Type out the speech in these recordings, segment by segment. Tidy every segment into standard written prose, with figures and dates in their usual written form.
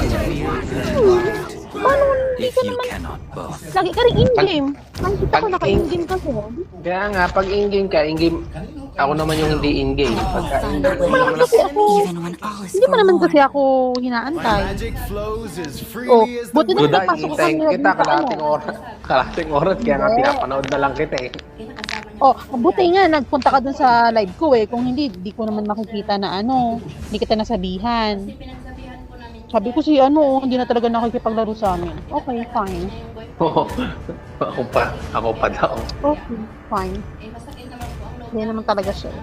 Paano hindi ka naman... Lagi ka rin in-game. Nakikita ko naka-in-game kasi. Kaya nga, pag in-game ka, in-game, ako naman yung hindi in-game. Pagka in-game Hindi mo naman kasi ako... Hindi mo naman kasi ako hinaantay. Oh, buti na Duda, napasok ko hintayin kanina kita, dito. kalating oras, kaya nga pinapanood na lang kita eh. Oh, buti nga, nagpunta ka dun sa live ko eh. Kung hindi, di ko naman makikita na ano, hindi kita nasabihan. Sabi ko si hindi na talaga nakikipaglaro sa amin. Okay, fine. Oo. Ako pa daw. Okay, fine. Hindi naman talaga siya.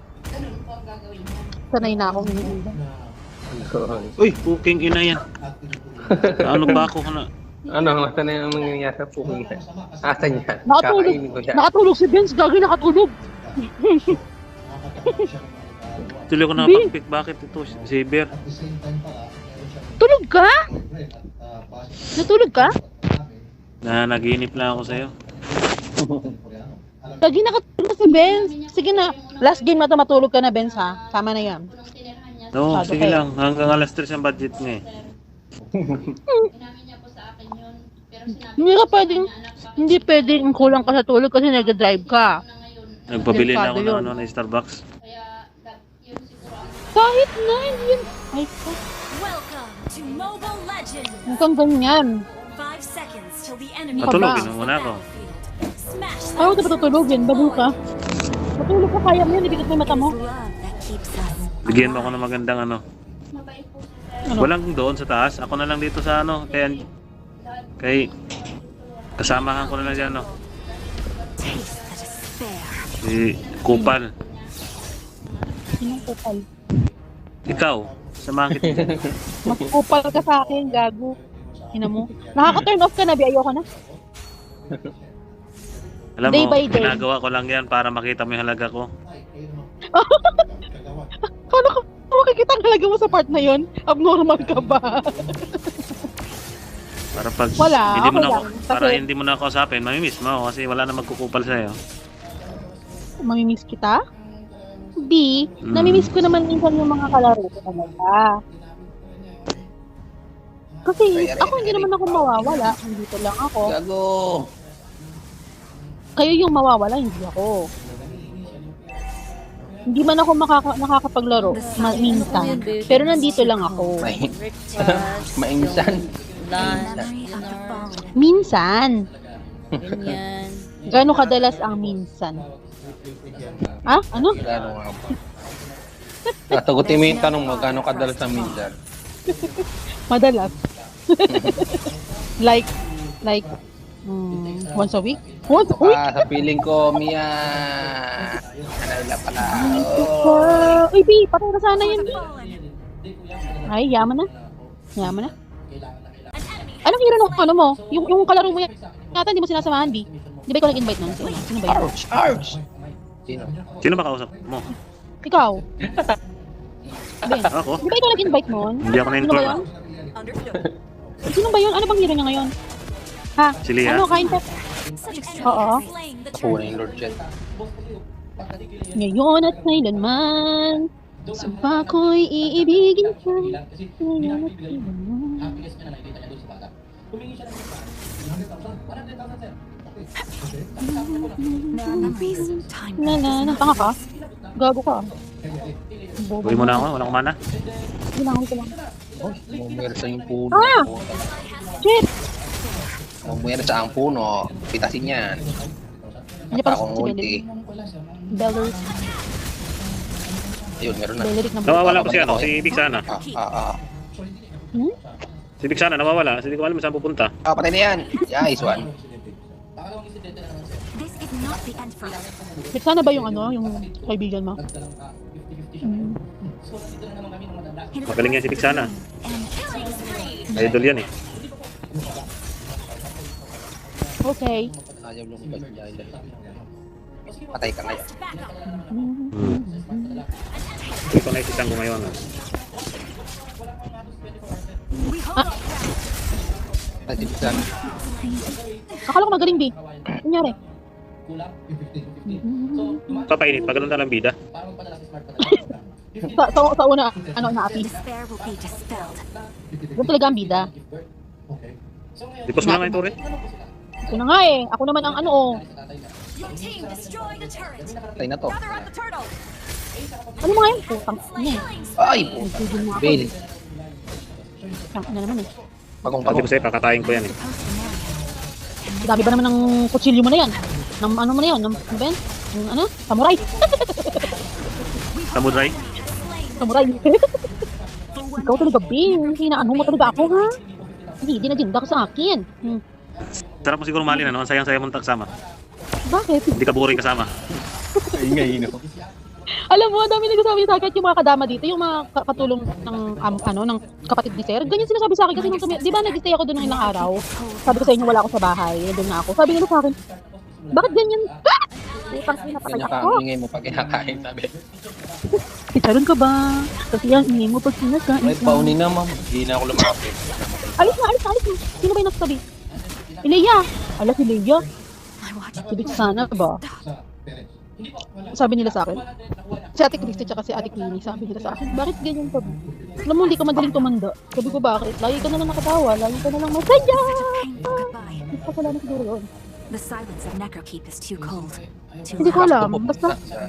Sanay na akong iniiba. Uy, puking ina yan. Ano ba ako na? Ano, nasa na yung nangyayari sa puking yan? Asan yan? Nakatulog. Kakainin ko siya. Nakatulog si Vince. Gagi nakatulog. Tuloy ko nakapag-pick. Bakit ito? Si Bear. Tulog ka? Natulog ka? Naginip lang ako sa'yo. Gagi nakatulog si Vince. Sige na. Last game na to matulog ka na, Vince, ha? Tama na yan. No, Sabi sige kayo. lang. Hanggang alas 3 ang budget nga eh. Hindi pwedeng kulang ka sa tulog kasi nag-drive ka. Nagpabili na ako Delikado ng yun. ng Starbucks. Kahit na, hindi yun. Ay, Welcome to Mobile Legends! hanggang ganyan. 5 seconds till the enemy Matulogin ba? mo muna ako. Smash Ayaw ka patutulogin, bago ka. Matulog ka, kaya mo yun, ibigit mo yung mata mo. love that keeps us. Bigyan mo ako ng magandang ano. Ano? Walang doon sa taas. Ako na lang dito sa ano. Kay kasamahan ko na lang dyan ano. Taste the despair. Si Kupal. Sinong kupal? Ikaw. Samahan kita. Mas kupal ka sa akin, gago. Ina mo. Nakaka-turn off ka na, Bi. Ayoko na. Alam Day mo, by day. ginagawa ko lang yan para makita mo yung halaga ko. Paano ka makikita ang halaga mo sa part na yon? Abnormal ka ba? Para pag Wala, hindi mo okay na ako, lang. para Kasi- hindi mo na ako kausapin, mamimiss mo ako kasi wala na magkukupal sa'yo. Mamimiss kita? B, Mm. namimiss ko naman minsan yung mga kalaro ko talaga. Kasi ako hindi naman ako mawawala. Dito lang ako. Gago! Kayo yung mawawala, hindi ako. Hindi man ako nakakapaglaro minsan. Pero nandito lang ako. Mainsan. Memory of the fallen. Minsan. Ganyan. Gano'ng kadalas ang minsan? Ah? Ano? Gano nga ba? Sasagutin mo yung tanong mo, gano'ng kadalas ang minsan? Madalas. like, once a week? Once a week? Sa feeling ko, Mia. Kanila pala. Oh. Uy, B, patay na sana yun. Ay, yaman na. Yaman na. Anong hero nung ano mo? Yung kalaro mo yan, yata hindi mo sinasamahan, B. Di ba ikaw nag-invite nun? Sino ba yun? Ouch! Ouch! Sino? Sino ba kausap mo? Ikaw. Ben, Ako? di ba ikaw nag-invite nun? Hindi ako Sino ba na-inform. yun? Sino ba yun? Ano bang hero niya ngayon? Ha? Si Leah? Ano, kain ka? Such Oo. slaying the Ako na yung Lord Jet. Ngayon at kailanman, sumpa ko'y iibigin ka. Ngayon at kailanman. memories. Time Tanga ka? Gago ka. Uwi mo na ako, walang kumana. Ginangon ko lang. Oh, mumersa yung puno. Ah! Shit! Mumersa ang puno. Pitasin yan. Hindi pa Akong si ulti. Belleric. Ayun, meron na. Belleric na ba? Nawawala ko si ano, si Big Sana. Hmm? Si Big Sana nawawala, kasi hindi ko alam saan pupunta. Patay na yan. Nice one. This is not the end for us. Sana ba yung yung kaibigan mo? Magaling yan si Big Sana. And Idol yan eh. Okay. Ayaw lumabas niya. Patay ka ngayon. Hindi ko naisisang ko ngayon. we hold Ay, si Bisan. Akala ko magaling, B. Kunyari. Papainit, pag ganun na lang bida. Sa una, ano, naapi. Despair will be dispelled. Doon talaga ang bida. Dipos mo lang nga ito, Ren. Ito na nga eh. Ako naman ang ano oh. Your team destroyed a turret. Patay na to. Gather up the turtle. Ano mga yun? Putang ina eh. Ay, po. Nagsigil na ako. Bail. Tang ina naman eh. Pagong Sabi ko sa'yo, kakatayin ko yan eh. Dami ba naman ng kutsilyo mo na yan? Ng ano mo na yan? Ng ano ba yan? Ng ano? Samurai. Samurai. Samurai. Ikaw talaga, Bing. Hinaano mo talaga ako, ha? Hindi, dinagenda ka sa akin. Sarap mo siguro malin, ano? Ang sayang-sayang mong kasama. Bakit? Hindi ka boring kasama. Ingay, no? Alam mo, ang dami nagsasabi sa akin yung mga kadama dito, yung mga katulong ng ano ng kapatid ni Sir. Ganyan sinasabi sa akin kasi nung di ba nag-stay ako doon ng ilang araw. Sabi ko sa inyo wala ako sa bahay, nandun na ako. Sabi nila sa akin, bakit ganyan? Utang ina patay ako. Ingay mo pag kinakain, sabi. Chicharon ka ba? Kasi yan, ingay mo pag sinakain Ay, ka. paunin na, ma'am. Hindi na ako lumapit. Alis na. Sino ba yung nasasabi? Ileya. Ala si Leia. My watch. Sabi ko sana ba? Sabi nila sa akin. Si Ate Christy tsaka si Ate Queenie, sabi nila sa akin, bakit ganyan ka? Alam mo, hindi ka madaling tumanda. Sabi ko, bakit? Lagi ka na lang nakatawa, lagi ka na lang masaya. Painful goodbye. Hindi pa pala na siguro yun. The silence of Necrokeep is too cold. Too Hindi ko loud. alam, basta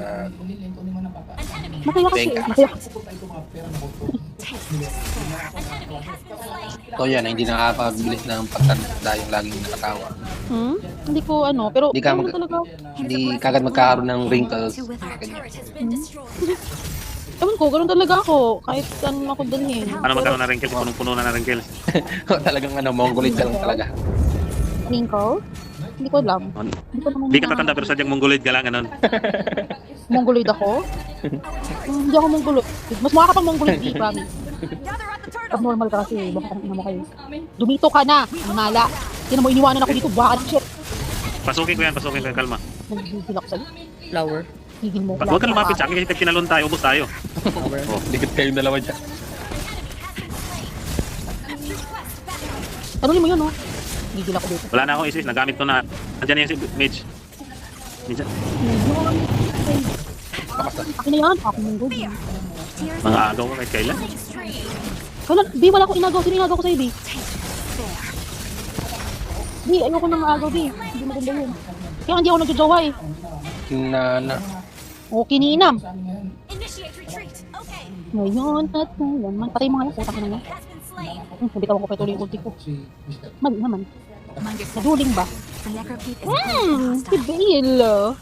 masaya kasi. Masaya kasi. Taste despair. Ito yan, hindi nakakabilis ng pagtanda yung laging nakatawa. Hindi ko ano, pero Hindi ka ano mag- talaga. Hindi kagad magkakaroon ng wrinkles. To wither. Ganyan. Ewan ko, ganun talaga ako. Kahit saan ako dalhin. Paano magkaroon na wrinkles? Punong-puno na ng wrinkles. Talagang mongoloid ka lang talaga. Wrinkle? Hindi ko alam. Hindi ko naman Hindi ka tatanda pero sadyang mongoloid ka lang, ganun. Mongoloid ako? Hindi ako mongoloid. Mas mukha ka pang mongoloid, di promise. Gather up the turtle. Abnormal ka kasi, baka kang ina mo kayo. Dumito ka na, mala. Tinan mo, iniwanan ako dito, baka ka shit. Pasukin ko yan, kalma. Nagigil ako sa'yo. Flower. Gigil mo. Huwag ka lumapit sa akin kasi kinalon tayo, ubos tayo. Oh, dikit kayong dalawa dyan. Tanungin mo yun, oh. Gigil ako dito. Wala na akong isis, nagamit ko na. Andiyan na yung si Mage. Minsan, Akin na yan, akin yung gold. Tears mga agaw ko kahit kailan. stream. Kailan, di wala akong inagaw. Sino inagaw ko sa'yo, di? Despair. Di, ayoko nang agaw, di. Hindi maganda yun. Kaya hindi ako nagjojowa eh. Kinana. O, kininam. Initiate retreat. Okay. Ngayon at ngayon. Patay mo nga yan, putak na nga. Has been slain. Hindi ka makupetuloy yung ulti ko. Mali naman. Mind yourself. Naduling ba? The Necrokeep is Si hostile. Bale.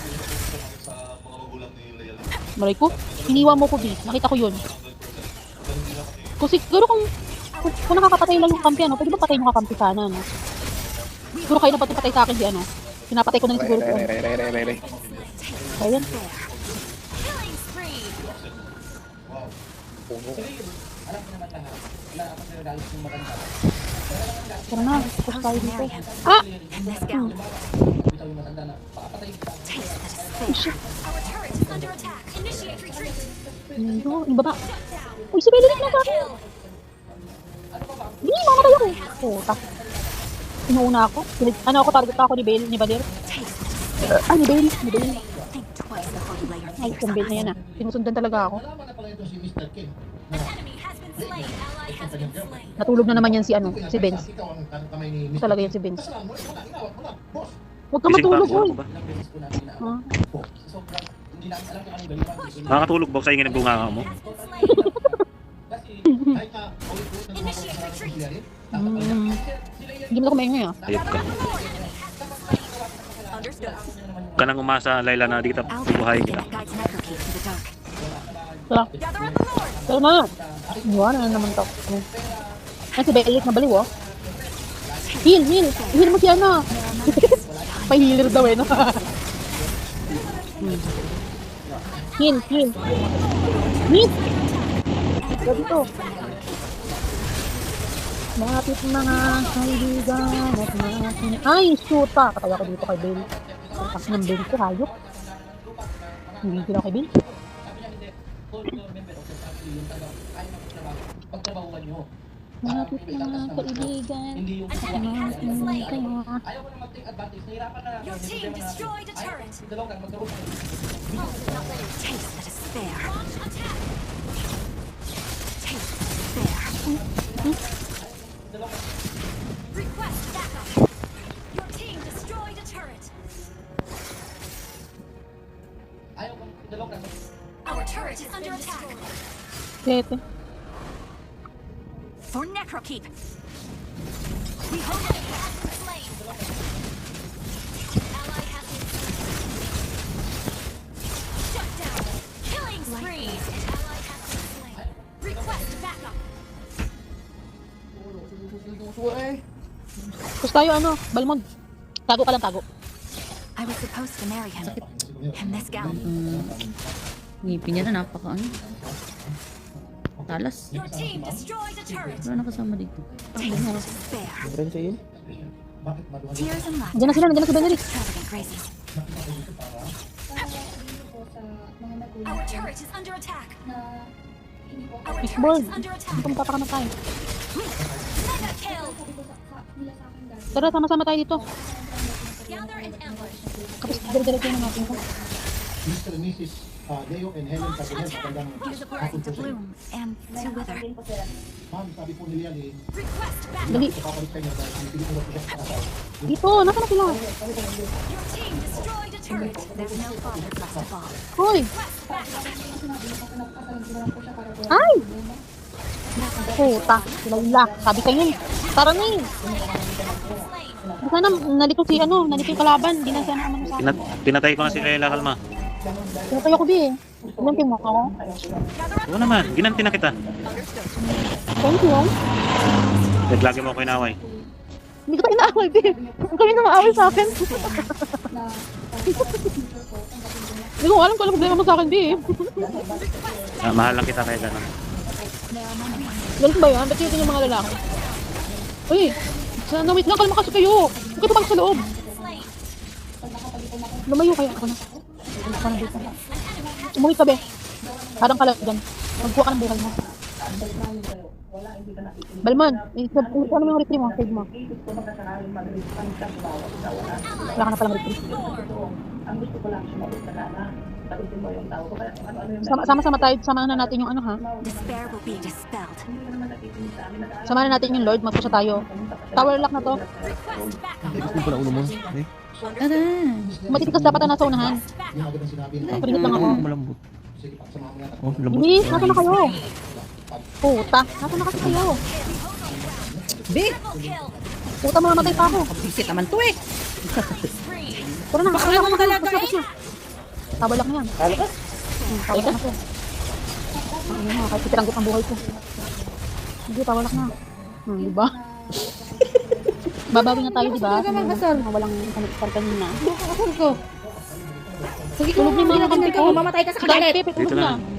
Maray ko, iniwan mo ko, Bi. Nakita ko yun. Kung siguro kung nakakapatay lang yung kampi, ano, pwede ba patay yung kakampi sana, no? Siguro kayo na patay sa akin, di ano? Pinapatay ko na rin siguro ito. Ayan. Killing spree. Tara na, tapos tayo dito. Marry him. Ah! Let's go. Taste the despair. Our turret is under attack. Initiate retreat. Ano, yung baba. Uy, si Bale na sa akin. Di, mamatay ako. Puta. Inuuna ako. Ano ako, target ako ni Bale, ni Badir. Taste the despair. Ah, ni Bale, ni Bale. Think twice before you lay your Ay, fingers yung Bale na yan behind. ah. Sinusundan talaga ako. Enemy has been slain. Ally has been slain. Natulog na naman yan si ano, si Benz. Talaga yan si Benz. Huwag ka Gising pa, matulog, buwan oy. ko ba? Ha? Nakakatulog ba ako sa ingin ng bunga mo? Initiate retreat. Hindi mo na kumaingay ah. Ayop ka. Understood. Ka nang umasa, Layla, na di kita I'll be the bubuhayin thing kita. that guides Necrokeep to the dark. Tara, Gather up the Lord. tara na. Iwan na naman to. Ay, si Belit na baliw oh. Heal. Heal mo siya na. Pa-healer daw eh, no? Heal. Heal. Grabe to. Lapit mga kaibigan at mga ay, shoota! Patay ako dito kay Bale. Ang taas ng Bale ko, hayop. Hindi sila kay Bale. Lapit mga kaibigan at mga kaibigan. Your team destroyed a turret. Taste the despair. Request backup. Your team destroyed a turret. Our turret is under attack. Sete. For Necrokeep. We hold it slain. Ally has been shut down. Killing spree. Ally has been slain. Request backup. Tapos tayo Balmond. Tago ka lang, tago. I was supposed to marry him. And this gown. Ngipin niya na napaka talas. Your team destroyed a turret. Wala nakasama dito. Taste of despair. Tears and laughter. Nandiyan na sila, nandiyan na si Benedict. Extravagant graces. Our turret is under attack. Our Fishball. turret is under attack. Hindi ko mapapakamatay. Mega kill. Tara, sama-sama tayo dito. Gather and ambush. Kapag dire-diretso na natin ito. Mr. and Mrs. Deo and Helen Launch Cabinet, attack. magandang It is a blessing to bloom and to wither. ma'am, sabi po nila Request backup. Dali. papalit kayo dahil pinipilit mo siya sa kasal. Dito, nasa na sila? Your team destroyed a turret. There's no fault that's left to fall. Hoy! Request backup. Ay! Puta, sila. Sabi kayo yun. Tara na eh. Slain. Di sana nalito si nalito yung kalaban. Di na sana sa akin. Pinatay ko na si Layla, kalma. Pinatayo ko di eh. Ilang team mo ako? Oo naman, ginanti na kita. Thank you. Lagi mo ako inaway. Hindi ko tayo inaaway, di. Kami na maaway sa akin. Hindi ko alam kung ano problema mo sa akin, di eh. Mahal lang kita kaya gano'n. Ganun ba yan? Ba't yun yung mga lalaki? Uy! Sana wait lang, kalma kasi kayo. Huwag kayo tumakot sa loob. Slain. Lumayo kaya ako na. Ako na dito. Umuwi ka, be. Parang ka lang dyan. Magkuha ka ng buhay mo. Balmon, ano mo yung retrieve mo? Save mo. Wala ka na palang retrieve. Sama-sama tayo. Samahan na natin yung ha. Despair will be dispelled. Samahan na natin yung Lord. Magpusa tayo. Tower lock na to. Request backup. Tara. Matitikas dapat na nasa unahan. Request backup. Yung agad ang sinabi na, Paringat lang ako. Malambot. sige, pagsamahan mo natin. Oh, malambot. Bilis, nasa na kayo? Puta, nasa na kasi kayo? Big! Triple kill. Puta, mamamatay pa ako. Bisit naman to eh. Spree. Tara na, Baka naman talaga eh. Tabalak na yan. Tabalak na to. Ano na, kahit pitiranggot ang buhay ko. Hindi, tawalak na. Diba? Babawi na tayo, diba? Walang kanipar kanina. Kasal ko. Sige ko, Tulog na yung mga mamatay ka sa kagalit. Pepe, tulog Dito na. na.